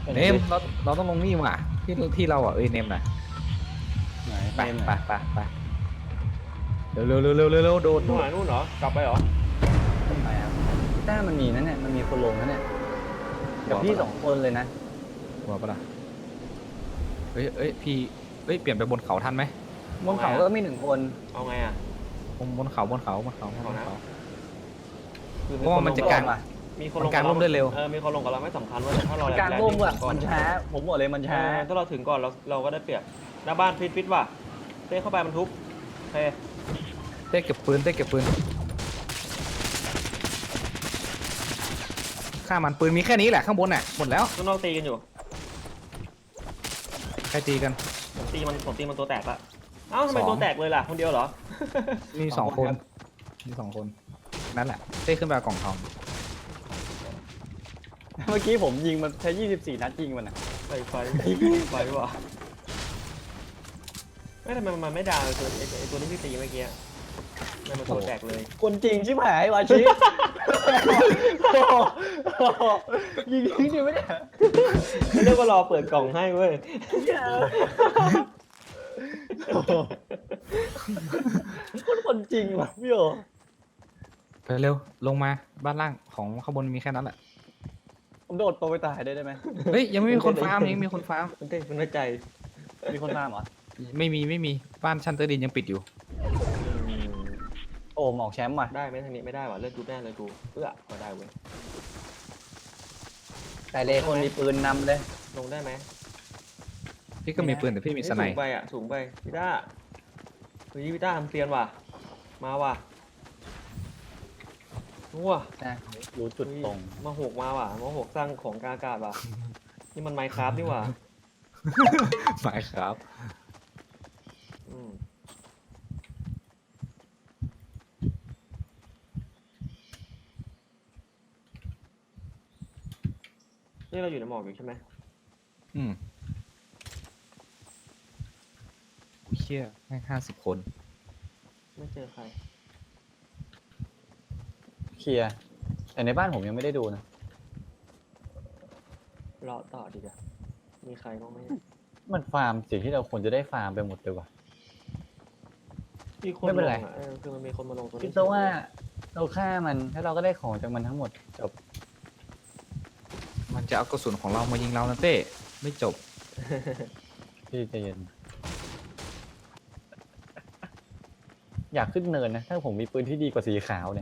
เนมเราต้องลงนี่ว่ะที่เราอ่ะเนมน่ะไหนไปเนมไปไปไปเร็วโดดนู่นหานู่นเหรอกลับไปเหรอไปครับพี่ต้ามันมีนั่นเนี่ยมันมีคนลงนั่นเนี่ยกับพี่2 คนเลยนะหัวปะล่ะพี่เปลี่ยนไปบนเขาทันไหมบนเขาก็มี1 คนเอาไงอ่ะบนเขาเอานะ คือเพราะว่ามันจะกางมีคนลมังนกางร่มได้เร็วมีคนลงกับเราไม่สำคัญว่าแต่ถ้าเรากลางร่มอะก่อนมันช้าผมบอกเลยมันช้าถ้าเราถึงก่อนเราก็ได้เปรียบหน้าบ้านฟิตว่ะเต้เข้าไปมันทุบโอเคเต้เก็บปืนฆ่ามันปืนมีแค่นี้แหละข้างบนน่ะหมดแล้วข้างนอกตีกันอยู่ใครตีกันผมตีมันตัวแตกละเอ้าทำไมตัวแตกเลยล่ะคนเดียวเหรอมีสองคนนั่นแหละเต้ขึ้นไปเอากล่องทองเมื่อกี้ผมยิงมันใช้24 นัดยิงมันอะไฟว่ะไม่ทำไมมันไม่ด่าเลยไอตัวนี้พี่ตีเมื่อกี้มันตัวแตกเลยคนจริงชิบหายวาชิยิงทิ้งดิไม่ได้เรียกว่ารอเปิดกล่องให้เว้ยคนจริงว่ะพี่โอไปเร็วลงมาบ้านล่างของข้างบนมีแค่นั้นแหละผมโดดตัวไปตายได้ไหมเฮ้ยยังไม่มีคนฟาร์มยังมีคนฟาร์มมันเต้มันไม่ใจมีคนตามเหรอไม่มีบ้านชั้นใต้ดินยังปิดอยู่โอ้หมอกแชมป์ว่ะได้ไหมทางนี้ไม่ได้ว่ะเลือดจุดแน่เลยกูก็ได้เว้ยแต่เลคนมีปืนนำเลยลงได้ไหมพี่ก็มีปืนแต่พี่มีสไนสูงไปอ่ะสูงไปพี่ต้าพี่ต้าทำเซียนว่ะมาว่ะว้านะรู้จุดตรงมาหกมาว่ะมาหกสร้างของกลางอากาศว่ะนี่มันไมค์คราฟนี่ว่ะหมายครับอืมนี่เราอยู่ในหมอกอยู่ใช่ไหมเชี่ยแม่ง50 คนไม่เจอใครเคลียร์แต่ในบ้านผมยังไม่ได้ดูนะรอต่อดีกว่ามีใครบ้างไหมมันฟาร์มสิ่งที่เราควรจะได้ฟาร์มไปหมดเลยว่ะมีคนไม่เป็นไรลงอ่ะคือมันมีคนมาลงตัวนี้คิดซะว่าเราฆ่ามันแล้วเราก็ได้ของจากมันทั้งหมดจบมันจะเอากระสุนของเรามายิงเรานะเต้ไม่จบพี่ใจเย็นอยากขึ้นเนินนะถ้าผมมีปืนที่ดีกว่าสีขาวเนี่ย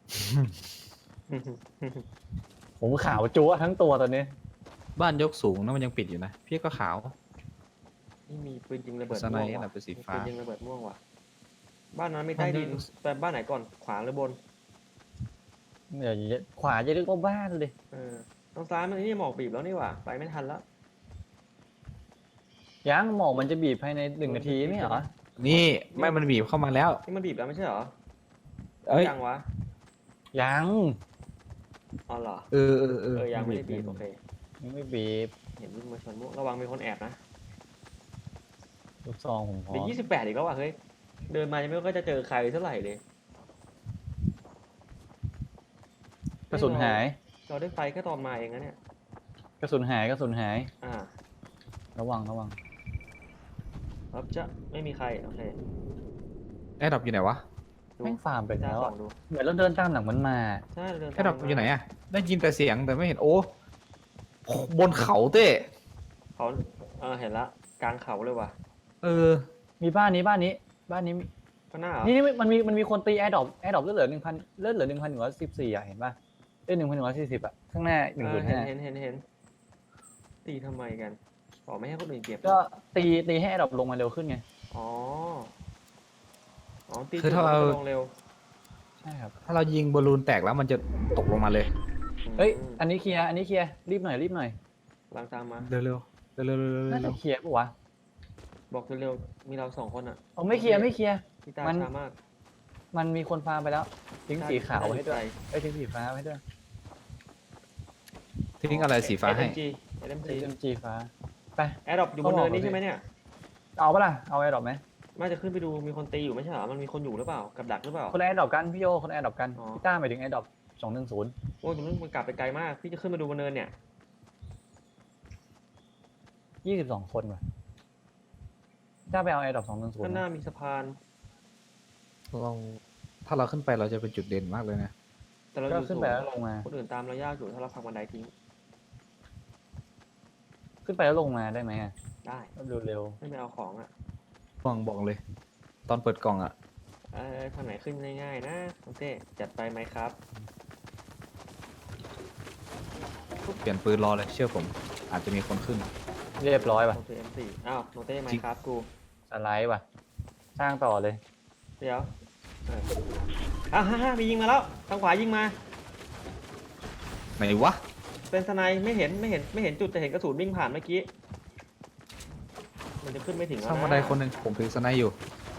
ผมขาวจั๊วทั้งตัวตอนนี้บ้านยกสูงนะมันยังปิดอยู่นะพี่ก็ขาวนี่มีปืนยิงระเบิดสไนม่วงด์ว่ะน่ะเป็นสีมีฟ้าปืนยิงระเบิดม่วงว่ะบ้านนั้นไม่ใต้ดินแต่บ้านไหนก่อนขวาหรือบนอย่าขวาจะเรียกว่าบ้านเลยทางซ้ายมันนี่หมอกบีบแล้วนี่หว่าไปไม่ทันแล้วยังหมอกมันจะบีบภายใน1 นาทีไม่เหรอนี่ไม่มันบีบเข้ามาแล้วนี่มันบีบแล้วไม่ใช่เหรอเอ้ยยังวะยังอ๋อเหรอเออยังไม่ได้บีบโอเคยังไม่บีบเห็นวิ่งมาชนม่วงระวังมีคนแอบนะลูกซองผมพร้อเดี๋ยวม 28อีกแล้วว่ะเฮ้ยเดินมายังไม่ก็จะเจอใครเท่าไหร่เลยกระสุนหายเราได้ไฟแค่ตอนมาเองนะเนี่ยกระสุนหายกระสุนหายอ่าระวังครับจะไม่มีใครโอเคแอร์ดรอปอยู่ไหนวะดูแม่งฟาร์มไปแล้วส่อะองดูเหมือนเราเดินตามหลังมันมาใช่เราเดินแอร์ดรอปตามอยู่ไหนอะได้ยินแต่เสียงแต่ไม่เห็นโอ้บนเขาเต้เขาเห็นละกลางเขาเลยว่ะเออมีบ้านนี้มีก็น่าเหรอนี่มันมีคนตีแอร์ดรอปเลือดเหลือ 1,000เลือดเหลือ 1,114อ่ะเห็นป่ะเอ้ย1,140อ่ะข้างหน้าเห็น ตีทำไมกันอ๋อไม่ให้คนอื่นเก็บ 1,500ก็ตีให้แอร์ดรอปลงมาเร็วขึ้นไงอ๋อตีคือถ้าเราลงเร็วใช่ครับถ้าเรายิงบอลลูนแตกแล้วมันจะตกลงมาเลยเฮ้ยอันนี้เคลียร์รีบหน่อยลังตามมาเร็วน่าจะเคลียร์ปะวะบอกเร็วๆมีเรา2 คนอ่ะเอาไม่เคลียร์พี่ตามันช้ามากมันมีคนฟาร์มไปแล้วทิ้งสีขาวไว้ให้ด้วยทิ้งสีฟ้าไว้ให้ด้วยทิ้งอะไรสีฟ้าให้ SMG ฟ้าไปแอร์ดรอปอยู่บนเนินนี่ใช่ไหมเนี่ยเอาปะล่ะเอาแอร์ดรอปไหมน่าจะขึ้นไปดูมีคนตีอยู่ไม่ใช่เหรอมันมีคนอยู่หรือเปล่ากับดักหรือเปล่าคนละแอร์ดรอปกันพี่โยคนละแอร์ดรอปกันอ๋อพี่ต้าหมายถึงแอร์ดรอป210 โอ้ยตรงนั้นมันกลับไปไกลมากพี่จะขึ้นมาดูบนเนินเนี่ย 22 คนว่ะถ้าไปเอาแอร์ดรอป210 ข้างหน้ามีสะพานเราถ้าเราขึ้นไปเราจะเป็นจุดเด่นมากเลยนะแต่เราอก็ยู่ขึ้นสูไปงแล้วลงมาคนอื่นตามเรายากอยู่ถ้าเราพักบันไดทิ้งขึ้นไปแล้วลงมาได้ไหมอ่ะได้เร็วไม่ไปเอาของอ่ะบอกเลย ตอนเปิดกล่องอะทางไหนขึ้นง่ายๆนะน้องเต้จัดไปไหมครับเปลี่ยนปืนรอเลยเชื่อผม อาจจะมีคนขึ้นๆเรียบร้อยว่ะโอเค M4 อ้าวน้องเต้ไหมครับกูสไลด์ว่ะ สร้างต่อเลยเดี๋ยวฮ่ามียิงมาแล้วทางขวายิงมาไหนวะเป็นสไนด์ไม่เห็นจุดแต่เห็นกระสุนวิ่งผ่านเมื่อกี้ มันจะขึ้นไม่ถึงแล้วช่างนะบันไดคนหนึ่งผมถือสไนด์อยู่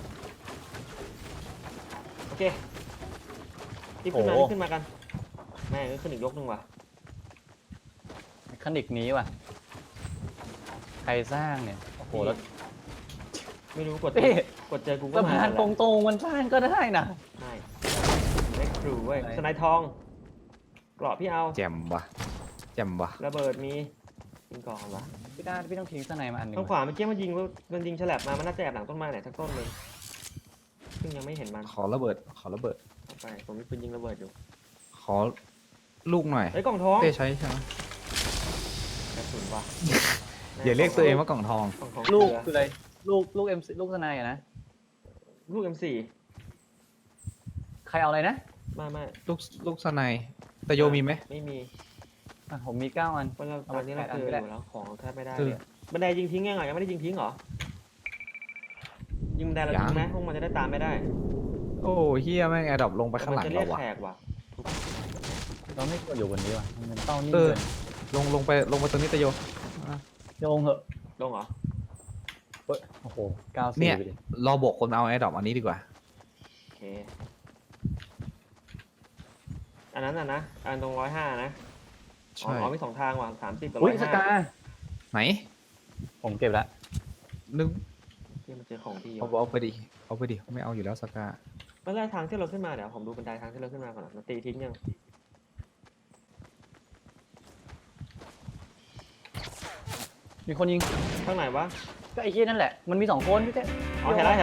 โอเครีบขึ้นมาโอ้รีบขึ้นมากัน แม่งก็ขึ้นอีกยกหนึ่งว่ะเมคานิกนี้ว่ะ ใครสร้างเนี่ย โอ้โห แล้วไม่รู้กดเต้เจอกูก็สะมาพานแหละตรงๆมันสร้างก็ได้นะไม่ได้ครูเว้ยไหนสไนด์ทองเกราะพี่เอาแจ่มวะแจ่มวะระเบิดมียิงก่อนวะพี่ต้องทิ้งสไนมาอันหนึงทางขวาเมื่อกี้มันยิงฉลับมามันน่าจะแอบหลังต้นไม้ไหนสักต้นเลยซึ่งยังไม่เห็นมันขอระเบิดเอาไปผมมีปืนยิงระเบิดอยู่ขอลูกหน่อยเฮ้ยกล่องทองเต้ใช้ใช่ไหมกระสุนว่ะอย่าเรียกตัวเองว่ากล่องทองกล่องทองลูกเกคืลืออะไร ลูกเอ็มลูกสไนอะนะลูก M4 ใครเอาอะไรนะไม่ลูกสไนด์แต่โยมีไหมไม่มีอ่ะผมมี 9 อันเพราะเราเอาตอนนี้เราแปดอัเจนอก็ได้อยู่แล้วของแทบไม่ได้คือเลยบันไดยิงทิ้งยังไงยังไม่ได้ยิงทิ้งเหรอยิงบันไดเราทิ้งไหมพวกมันจะได้ตามไม่ได้โอ้เฮียแม่งแอร์ดรอปลงไปข้างหลังมันจะเรีเรายกว่ะแขกว่ะเราไม่ควรอยู่บนนี้ว่ะมันเป็นเป้านิ่งเออเกินลงไปตรงนี้ตะโยโยงเหอะลงเหรอเฮ้ยโอ้โห94 เนี่ยไปดิรอบอกคนเอาแอร์ดรอปอันนี้ดีกว่าโอเคอันนั้นน่ะนะอันตรง105นะอ๋ใช่อมี2 ทางว่ะ30กับอุ้ยสกา 105 ไหนผมเก็บละนึกที่มันเจอของดีเอาไปดิไม่เอาอยู่แล้วสกาเมื่อแรกทางที่เราขึ้นมาเดี๋ยวผมดูบันไดทางที่เราขึ้นมาก่อนนะมันตีทิ้งยังมีคนยิงข้างไหนวะก็ไอ้เหี้ยนั่นแหละ มันมี 2 คนพี่เต้อ๋อเห็นแล้ว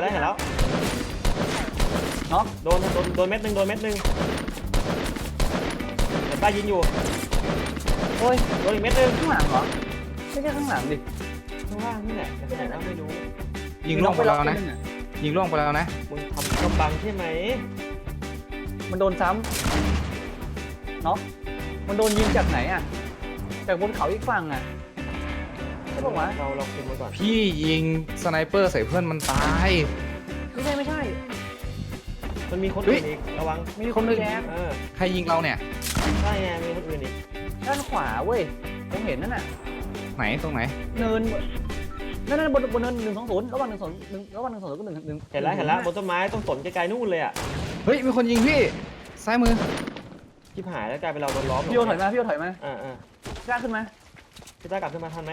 น็อกโดนเม็ดหนึ่งเห็นป้ายิงอยู่โอ้ยโดนอีกเม็ดหนึ่งข้างหลังเหรอ ไม่ใช่ข้างหลังดิข้างล่างนี่แหละแต่ไหนก็ไม่รู้ยิงล่วงไปแล้วนะมียิงล่วงไปแล้วนะมึงทำกำบังใช่ไหมมันโดนซ้ำเนาะมันโดนยิงจากไหนอ่ะ จากบนเขาอีกฝั่งอ่ะ ใช่ปะวะเราคุมไว้ก่อนพี่ยิงสไนเปอร์ใส่เพื่อนมันตายไม่ใช่มันมีคนเฮ้อื่ยนอีกระวังมีคนอื่นเออใครยิงเราเนี่ยใช่ไงมีคนอื่นอีกด้านขวาเว้ย ผมเห็นนั่นน่ะไหนตรงไหนเนินนั่นบนเนิน120ระหว่าง120ระหว่าง120ก็1 เห็นแล้วบนต้นไม้ต้องสนไกลๆนู่นเลยอ่ะเฮ้ยมีคนยิงพี่ซ้ายมือชิบหายแล้วกลายเป็นเราโดนล้อมพี่โยถอยมาพี่โยถอยมาอ่ากล้าขึ้นมาพี่ต้ากลับขึ้นมาทันไหม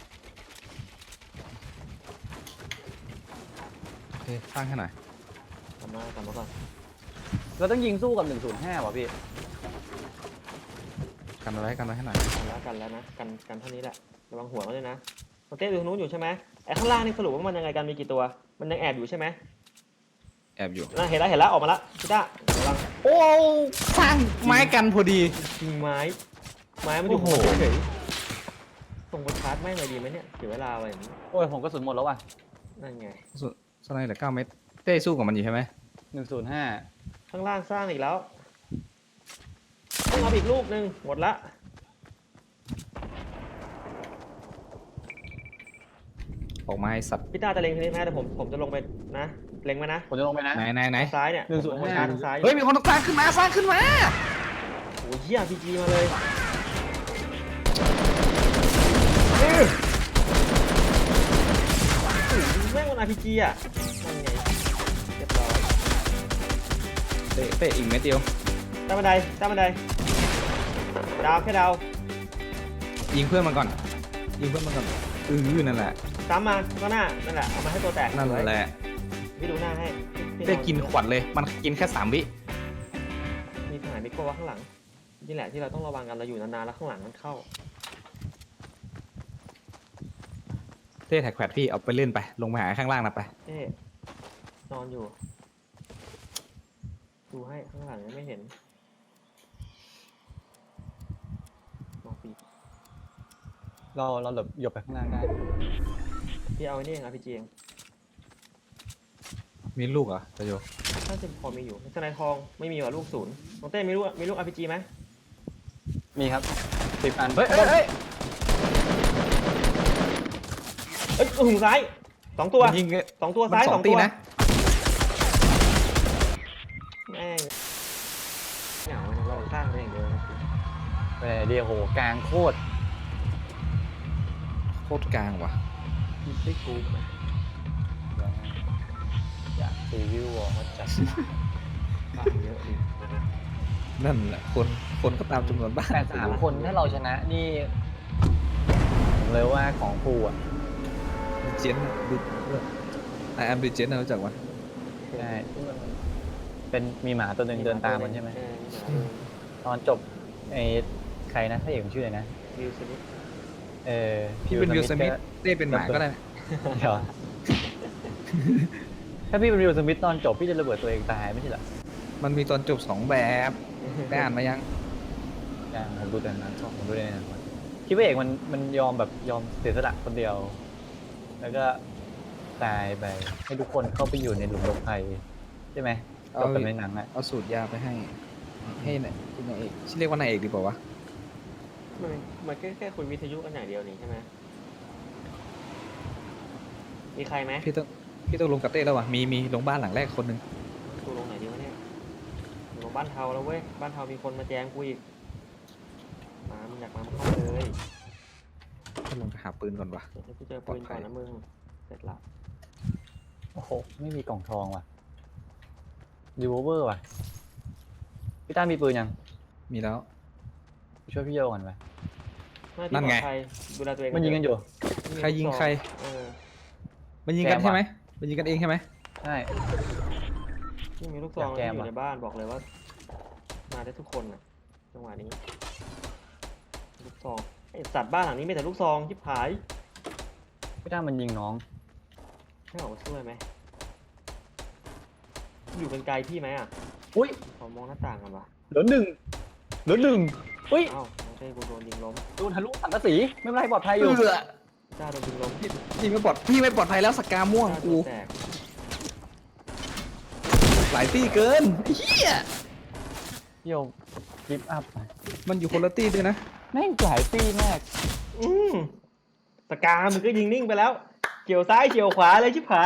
โอเคสร้างให้หน่อยกลับมาก่อนเราต้องยิงสู้กับ105ว่ะพี่กันไว้ให้หน่อยกันแล้วนะกันเท่านี้แหละระวังหัวเขาด้วยนะโอเต้ดูทางนู้นอยู่ใช่ไหมไอ้ข้างล่างนี่สรุปว่ามันยังไงกันมีกี่ตัวมันยังแอบอยู่ใช่ไหมแอบอยู่เห็นแล้วออกมาละพี่ต้าระวังโอ้สร้างไม้กันพอดียิงไม้มันอยู่โอ้โหหัวเฉยๆส่งไปชาร์จไม่หน่อยดีไหมเนี่ยเสียเวลาไปอย่างนี้โอ้ยผมกระสุนหมดแล้วว่ะนั่นไงสไนเหลือ9 เม็ดเต้สู้กับมันอยู่ใช่ไหม 105 ข้างล่างสร้างอีกแล้วต้องเอาอีกลูกหนึ่งหมดละออกมาไอ้สัตว์พี่ต้าจะเล็งทีนี้ไหมแต่ผมจะลงไปนะเล็งไหมนะผมจะลงไปนะไหนซ้ายเนี่ย 105 ผมลงไปชาร์จทางซ้ายเฮ้ยมีคนสร้างขึ้นมาโอ้ยเหี้ยพีจีมาเลยแม่งมัน RPG อ่ะนั่นไงเรียบร้อยเต้อีกเม็ดเดียวใต้บันไดดาวแค่ดาวยิงเพื่อนมันก่อนนั่นแหละตามมาข้างหน้านั่นแหละเอามาให้ตัวแตกนั่นแหละพี่ดูหน้าให้พี่เต้กินขวดเลยมันกินแค่3 วิมีทหารมิโก้ว่าข้างหลังนี่แหละที่เราต้องระวังกันเราอยู่นานๆแล้วข้างหลังมันเข้าเต้แท็กแพดพี่เอาไปเล่นไปลงมาหาข้างล่างนะไปเอ๊ะนอนอยู่ ดูให้ข้างหลังยังไม่เห็นมองปีเราหลบหยบไปข้างล่างได้พี่เอาไอ้นี่เองRPGเองมีลูกเหรอตะโยถ้าจะพอมีอยู่สไนทองไม่มีว่ะลูกศูนย์น้องเต้มีลูก RPG ไหมมีครับ10 อันเฮ้ยหูซ้าย2 ตัวมันยิง 2 ตัวมันซ้ายส 2 องตีตัวนะแม่งเหงาเราสร้างได้อย่างเดียวนะไปเดียวโหกลางโคตรโคตรกลางว่ะคิดได้กูไหมอยากซีวิววอลจัดบ้านเยอะดินั่นแหละคนก็ตามจำนวนบ้านแต่3 คนถ้าเราชนะนี่ผมเลยว่าของฟูอ่ะเจนดูไอแอมดิเจนรู้จักวะใช่เป็นมีหมาตัวหนึ่งเดินตามมันใช่ไหม ตอนจบไอ้ใครนะพระเอกมันชื่ออะไรนะวิวสมิธพี่เป็นวิลสมิธก็เต้เป็นหมาก็ได้นะเดี๋ยวถ้าพี่เป็นวิลสมิธตอนจบพี่จะระเบิดตัวเองตายไม่ใช่เหรอมันมีตอนจบ2 แบบได้อ่านมายังอย่างผมดูแต่นั้นผมดูในนั้นคิดว่าเอกมันยอมแบบยอมเสียสละคนเดียว แล้วก็ตายไปให้ทุกคนเข้าไปอยู่ในหลุมหลบภัยใช่ไหมจบแบบในหนังอ่ะเอาสูตรยาไปให้นายเอกชื่อเรียกว่านายเอกดีกว่าวะมันแค่คุยวิทยุกันอย่างเดียวนี่ใช่ไหมมีใครไหมพี่ต้องลงกับเต้แล้ววะมีลงบ้านหลังแรกคนหนึ่งกูลงไหนดีวะเนี่ยลงบ้านเทาแล้วเว้ยบ้านเทามีคนมาแจ้งกูอีกมามึงอยากมามึงเข้ามาเลยต้องลงไปหาปืนก่อนวะเดี๋ยวให้กูเจอปืนก่อนนะมึงเสร็จละโอ้โหไม่มีกล่องทองว่ะรีโวลเวอร์ว่ะพี่ต้ามีปืนยังมีแล้วไปช่วยพี่โยก่อนไปนั่นไงดูแลตัวเองมันยิงกันอยู่ใครยิงใครเออมันยิงกันแกมใช่ไหมวะมันยิงกันเองใช่ไหมใช่นี่มีลูกซองแกที่มอยู่อะในบ้านบอกเลยว่า มาได้ทุกคนน่ะจังหวะนี้ลูกซองไอสัตว์บ้านหลังนี้มีแต่ลูกซองชิบหายพี่ต้ามันยิงน้องให้ออกมาช่วยไหมอยู่เป็นไกลพี่ไหมอ่ะอุ้ยขอมองหน้าต่างกันวะเหลือหนึ่งอุ้ยเอ้าน้องเต้กูโดนยิงล้มโดนทะลุสังกะสีไม่เป็นไรปลอดภัยอยู่จ้าโดนยิงล้มพี่ไม่ปลอดภัยแล้วสกาม่วงจ้าโดกูนแตกหลายตี้เกินเฮียพี่โยกิฟต์อัพมันอยู่คนละตี้ด้วยนะแม่งหลายปีมากอืมสกามึงก็ยิงนิ่งไปแล้วเฉียวซ้ายเฉียวขวาเลยชิบหาย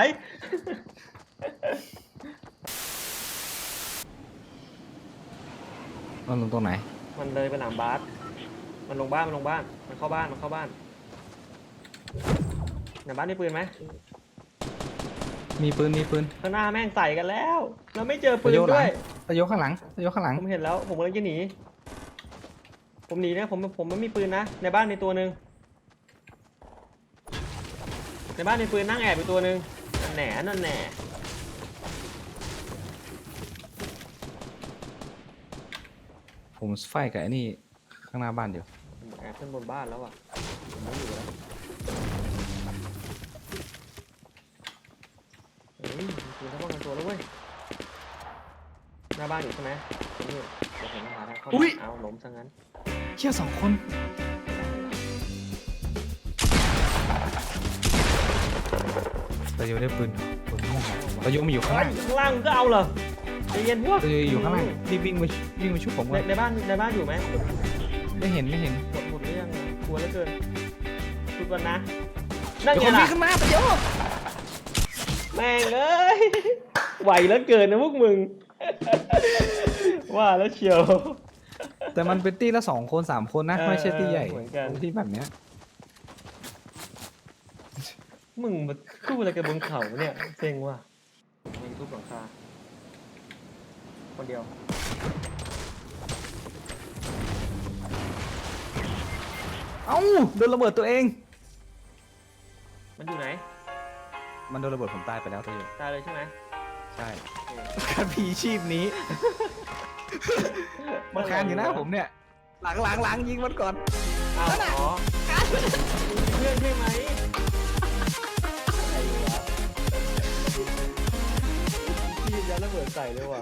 มันลงตรงไหนมันเลยไปหลังบาสมันลงบ้านมันเข้าบ้านในบ้านมีปืนไหมมีปืนข้างหน้าแม่งใส่กันแล้ว เราไม่เจอปืนด้วยตะโยข้างหลังผมเห็นแล้วผมกำลังจะหนีผมหนีนะผมไม่มีปืนนะในบ้านมีตัวหนึ่งในบ้านมีปืนนั่งแอบอยู่ตัวหนึ่งนั่นแหน่ผมไฟกับไอ้นี่ข้างหน้าบ้านอยู่ผมแอบขึ้นบนบ้านแล้วอ่ะผมไม่อยู่แล้วเฮ้ยมีปืนป้องกันตัวแล้วเว้ยหน้าบ้านอยู่ใช่ไหมนี่เดี๋ยวผมหาทางเข้าบ้านเอาล้มซะงั้นเชี่ย2 คน ตะโยได้ปืนม่วงตะโยมันอยู่ข้างเฮ้ล่าย งข้างล่างมึงก็เอาเหรอใจเย็นพวกตะโยอยู่ข้างล่างรีบวิ่งมาชุบผมก่อนในบ้านอยู่ไหมไม่เห็นหมดหรือยังกลัวเหลือเกินชุดวันนะนั่นเดี๋ยวไงคนวิ่ล่ะงขึ้นมาตะโยแม่งเอ้ยไหวแล้วเกินนะพวกมึง ว่าแล้วเชียวแต่มันเป็นตี้ละ2 คน 3 คนนะ ไม่ใช่ตี้ใหญ่เหมือนกันที่แบบเนี้ยมึงมาคู่อะไรกันบนเขาเนี่ยเซ็งว่ะมีทุบหลังคาคนเดียวเอ้าโดนระเบิดตัวเองมันอยู่ไหนมันโดนระเบิดผมตายไปแล้วตะโยตายเลยใช่ไหมใช่โอเคการพีชีพนี้ มันคานอยู่หน้าผมเนี่ย หลังยิงมันก่อนอ้าวอ๋อเพื่อนใช่ไหมระเบิดใส่เลยว่ะ